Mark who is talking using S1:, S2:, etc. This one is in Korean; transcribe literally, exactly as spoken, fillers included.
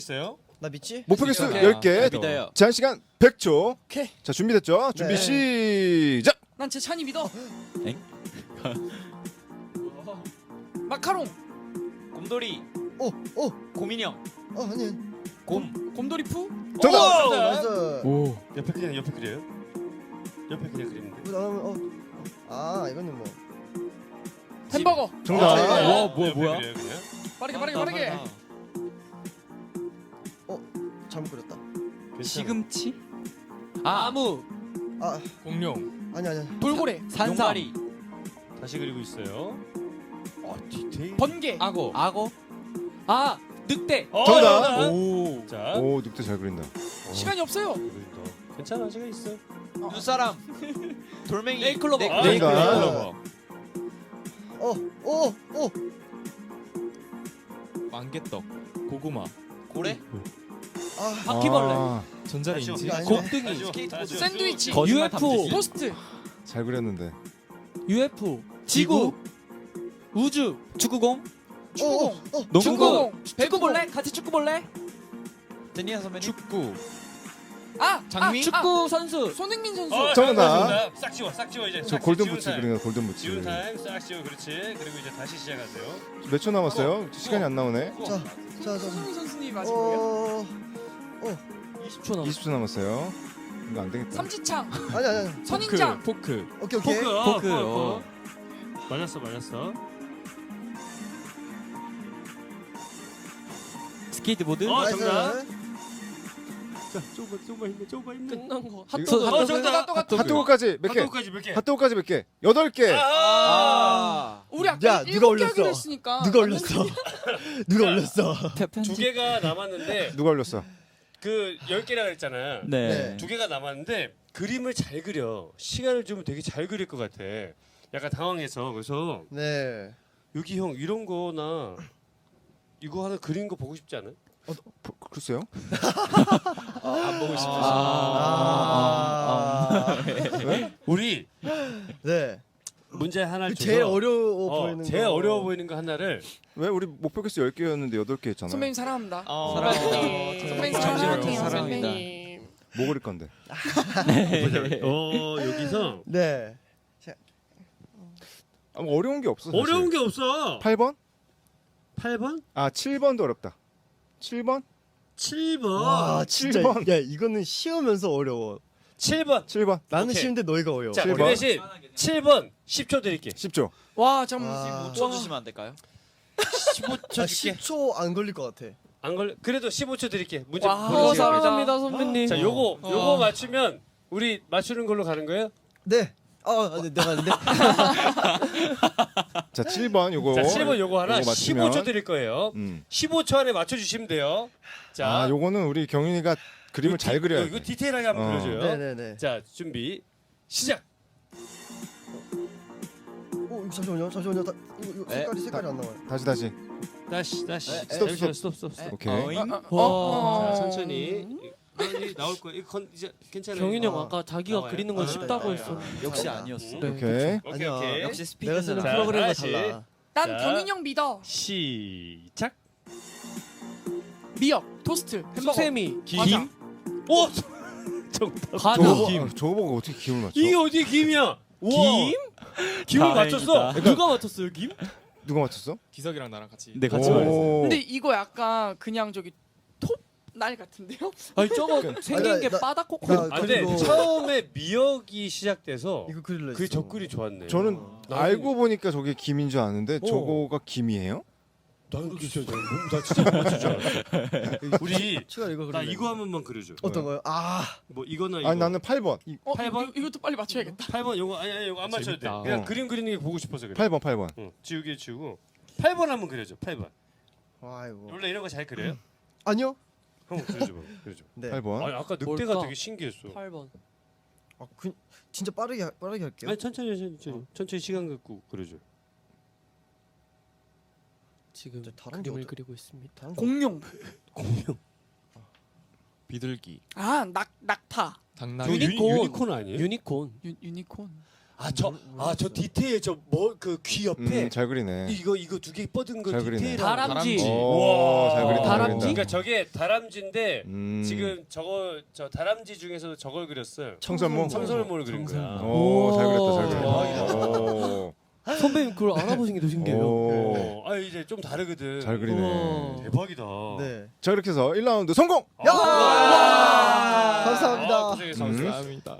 S1: 있어요?
S2: 나 믿지?
S3: 목표 개수
S1: 오케이.
S3: 열 개,
S4: 믿어요.
S3: 제한 시간 백 초.
S2: 오케이.
S3: 자, 준비됐죠? 준비
S2: 네.
S3: 시작.
S5: 난 제 찬이 믿어.
S4: 엥?
S5: 마카롱,
S4: 곰돌이,
S2: 오, 오,
S4: 곰인형,
S2: 어 아니.
S4: 곰.
S5: 곰돌이 푸.
S3: 정답.
S1: 오!
S2: 나이스.
S4: 오.
S1: 옆에 그냥 옆에 그려요? 옆에 그냥 그리면 돼.
S2: 뭐 나오면 어. 아 이거는 뭐.
S5: 햄버거.
S3: 정답.
S1: 아,
S4: 와, 뭐야,
S1: 옆에
S4: 뭐야?
S1: 그려요, 그냥.
S5: 빠르게 빠르게 빠르게.
S2: 잘못 그렸다.
S1: 괜찮아.
S4: 시금치? 아, 아무.
S2: 아
S1: 공룡.
S2: 아니 아니.
S5: 돌고래,
S4: 산사리.
S1: 다시 그리고 있어요. 아 디테일.
S5: 번개.
S4: 악어. 악어. 아, 늑대.
S1: 어,
S3: 정답.
S1: 정답.
S4: 오.
S1: 자.
S3: 오, 늑대 잘 그린다.
S5: 시간이 없어요.
S1: 그린다. 괜찮아 시간 있어.
S4: 눈사람. 돌멩이. 네이클로버.
S1: 아,
S3: 네이클로버.
S2: 어, 오, 오.
S6: 만개떡, 고구마,
S4: 고래.
S2: 아,
S4: 바퀴벌레.
S3: 아,
S6: 전자레인지,
S2: 이거 아니네.
S4: 곱등이.
S1: 스케이트보드.
S5: 샌드위치.
S4: 거짓말
S6: 유에프오.
S4: 탐지기.
S5: 토스트.
S3: 잘 그렸는데.
S6: 유에프오,
S4: 지구.
S6: 우주,
S4: 축구공.
S5: 축구공.
S2: 어, 어.
S4: 농구공.
S5: 축구공.
S4: 축구 볼래? 같이 축구 볼래? 제니아 선배님.
S6: 축구,
S5: 아,
S6: 장미?
S5: 아,
S4: 축구 선수.
S5: 손흥민 선수.
S1: 어,
S3: 정답.
S1: 정답. 싹 지워 싹 지워 이제.
S3: 저
S1: 싹
S3: 골든
S1: 지운
S3: 부츠
S1: 타임.
S3: 그린 거 골든 부츠.
S1: 지운 타임 싹 지워 그렇지. 그리고 이제 다시 시작하세요.
S3: 몇 초 남았어요? 시간이 안 나오네.
S1: 어.
S2: 자, 자, 자.
S5: 손흥민 선수님 맞은 거예요?
S2: 어.
S6: 이십 초 남았어.
S3: 이십 초 남았어요. 이거 안 되겠다.
S5: 삼지창,
S2: 아니 아니 아니.
S5: 선인장.
S6: 포크,
S2: 오케이 오케이.
S1: 포크. 어,
S4: 포크,
S1: 포크.
S4: 어.
S1: 맞았어 맞았어.
S4: 스케이트보드.
S1: 어,
S2: 나이스.
S1: 정답. 자 조금만 조금만 힘내 조금만 힘내.
S6: 끝난 거.
S3: 핫도그.
S1: 어 정답.
S3: 핫도그까지 몇 개?
S1: 핫도그까지 몇 개?
S3: 핫도그까지 몇 개? 여덟 개.
S4: 아.
S5: 우리 아까
S2: 야, 누가
S5: 일곱 개
S2: 올렸어?
S5: 하기로 했으니까.
S2: 누가 올렸어? 누가 올렸어?
S1: 두 개가 남았는데
S3: 누가 올렸어?
S1: 그 열 개라 그랬잖아.
S4: 네.
S2: 네.
S1: 두 개가 남았는데 그림을 잘 그려. 시간을 주면 되게 잘 그릴 것 같아. 약간 당황해서 그래서
S2: 네.
S1: 여기 형 이런 거나 이거 하나 그린 거 보고 싶지 않아?
S3: 보- 글쎄요.
S1: 안 보고 싶어.
S2: 아.
S1: 우리
S2: 네.
S1: 문제 하나
S2: 그
S1: 줘서
S2: 제일 어려워
S1: 어,
S2: 보이는
S1: 제일
S2: 거.
S1: 어려워 보이는 거 하나를
S3: 왜 우리 목표 개수 열 개였는데 여덟 개 했잖아.
S5: 선배님 사랑합니다.
S4: 어.
S6: 사랑합니다.
S5: 선배님
S4: 잠시만요.
S5: 사랑해요.
S4: 사랑합니다.
S5: 선배님.
S3: 뭐 그릴 건데?
S1: 어 여기서
S2: 네.
S3: 아, 뭐 어려운 게 없어. 사실.
S1: 어려운 게 없어.
S3: 팔 번?
S1: 팔 번?
S3: 아, 칠 번도 어렵다. 칠 번?
S1: 칠 번.
S2: 와 진짜
S3: 칠 번.
S2: 야 이거는 쉬우면서 어려워.
S1: 칠 번.
S3: 칠 번.
S2: 나는
S1: 오케이.
S2: 쉬운데 너희가 어려워.
S1: 자,
S3: 칠
S1: 그
S3: 번.
S1: 대신 칠 번 십 초 드릴게.
S3: 십 초.
S5: 와, 잠깐.
S2: 아.
S4: 오 초 주시면 안 될까요?
S1: 십오 초
S2: 아,
S1: 줄게.
S2: 십 초 안 걸릴 것 같아.
S1: 안 걸려. 그래도 십오 초 드릴게. 문제
S5: 와,
S1: 보내주세요.
S5: 사랑합니다,
S6: 선배님.
S1: 자, 요거
S5: 어.
S1: 요거 맞추면 우리 맞추는 걸로 가는 거예요?
S2: 네. 아, 네, 내가 근데
S3: 자, 칠 번 요거.
S1: 자, 칠 번 요거 하나
S3: 요거 맞추면.
S1: 십오 초 드릴 거예요.
S3: 음.
S1: 십오 초 안에 맞춰 주시면 돼요. 자,
S3: 아, 요거는 우리 경윤이가 그림을
S1: 이거
S3: 잘
S1: 디-
S3: 그려야
S1: 이거
S3: 돼.
S1: 디테일하게 한번
S3: 어.
S1: 그려줘요.
S2: 네네네.
S1: 자, 준비 시작.
S2: 오, 이거 잠시만요. 잠시만요. 다, 이거, 이거
S4: 에?
S2: 색깔이 색깔이 안 나와요.
S3: 다시 다시.
S1: 다시 다시.
S4: 에,
S3: 스톱,
S1: 잠시만요.
S3: 스톱.
S1: 스톱 스톱 스톱.
S3: 오케이.
S4: 어잉?
S5: 어,
S6: 와.
S5: 어.
S1: 자, 천천히. 이- 나올 거야. 이거 건 이제 괜찮아요.
S6: 경윤이 형
S2: 어.
S6: 아까 자기가
S1: 나와요.
S6: 그리는 건
S2: 아,
S6: 쉽다고
S2: 네.
S6: 했어.
S4: 역시
S2: 잘한다.
S4: 아니었어.
S6: 네.
S3: 오케이.
S1: 오케이
S2: 아니야.
S1: 오케이.
S4: 역시
S2: 내가 쓰는
S4: 스피드는
S1: 자,
S2: 프로그램과
S1: 다시.
S2: 달라.
S5: 난
S1: 자.
S5: 경인 형 믿어.
S1: 시작.
S5: 미역, 토스트, 햄버거.
S6: 수세미,
S5: 과자.
S1: 오!
S6: 과자.
S3: 저거,
S6: 김.
S3: 아, 저거 보고 어떻게 김을 맞춰?
S1: 이게 어디 김이야? 우와.
S6: 김?
S1: 김을
S4: 다행이다.
S1: 맞췄어.
S6: 누가 맞췄어요, 김?
S3: 누가 맞췄어?
S6: 기석이랑 나랑 같이.
S4: 네, 같이 말했어.
S3: 오.
S5: 근데 이거 약간 그냥 저기 톱날 같은데요?
S6: 아니 저거
S3: 그-
S6: 생긴
S2: 아니,
S6: 게
S2: 나-
S6: 바닥코코.
S2: 나-
S1: 아, 근데
S2: 그리고-
S1: 처음에 미역이 시작돼서
S2: 이거 그릴래.
S1: 그 접근이 좋았네.
S3: 저는
S1: 나는-
S3: 알고 보니까 저게 김인 줄 아는데
S1: 어.
S3: 저거가 김이에요?
S1: 나는 그게 진짜 나 진짜 못 맞출 줄 알았어. 우리
S2: 치가 이거 그릴래.
S1: 나 이거 한 번만 그려줘.
S2: 어떤 거요? 아,
S1: 뭐 이거나 이거.
S3: 아니 나는 팔 번. 이-
S5: 어,
S1: 팔 번?
S5: 이거, 이것도 빨리 맞춰야겠다.
S1: 팔 번 요거 아니 아니 요거 안 맞춰도 돼.
S6: 재밌다.
S1: 그냥
S3: 어.
S1: 그림 그리는 게 보고 싶어서 그래.
S3: 팔 번 팔 번.
S1: 응. 지우개 지우고 팔 번 한번 그려줘. 팔 번.
S2: 아이고.
S1: 원래 이런 거 잘 그려요?
S2: 아니요.
S1: 한번 그려줘 봐. 그려줘.
S2: 네.
S3: 팔 번.
S1: 아니 아까 늑대가
S6: 뭘까?
S1: 되게 신기했어.
S6: 팔 번.
S2: 아, 그 진짜 빠르게 하- 빠르게 할게요.
S1: 아니 천천히 천천히 천천히 시간 갖고 그려줘.
S6: 지금
S2: 이제 다른 게
S6: 그림을
S2: 어떠-
S6: 그리고 있습니다.
S2: 다른 거.
S5: 공룡.
S1: 공룡.
S6: 비둘기.
S5: 아, 낙 낙타.
S6: 당나귀.
S1: 유니,
S6: 유니콘.
S1: 유니콘 아니에요?
S6: 유니콘.
S5: 유, 유니콘.
S1: 아저 아 저 디테일 저 뭐 그 귀 옆에
S3: 음, 잘 그리네.
S1: 이거 이거 두 개 뻗은 거
S3: 잘 그리네.
S1: 디테일.
S6: 다람쥐.
S3: 오, 잘 그린다. 잘
S6: 다람쥐?
S3: 그린다.
S1: 그러니까 저게 다람쥐인데
S3: 음.
S1: 지금 저거 저 다람쥐 중에서 저걸 그렸어요.
S3: 청설모.
S1: 청설모를 그린 거야.
S6: 청설모.
S3: 오, 잘 그렸다. 잘
S1: 대박이다.
S3: 그렸다. 오.
S6: 선배님 그걸 알아보신 게 더 신기해요.
S3: 오.
S1: 어, 아 이제 좀 다르거든.
S3: 잘 그리네.
S6: 우와.
S1: 대박이다.
S2: 네.
S3: 자, 이렇게 해서 일 라운드 성공.
S1: 야!
S2: 와!
S1: 와!
S2: 감사합니다.
S1: 아, 고생했어.
S3: 음.
S6: 감사합니다.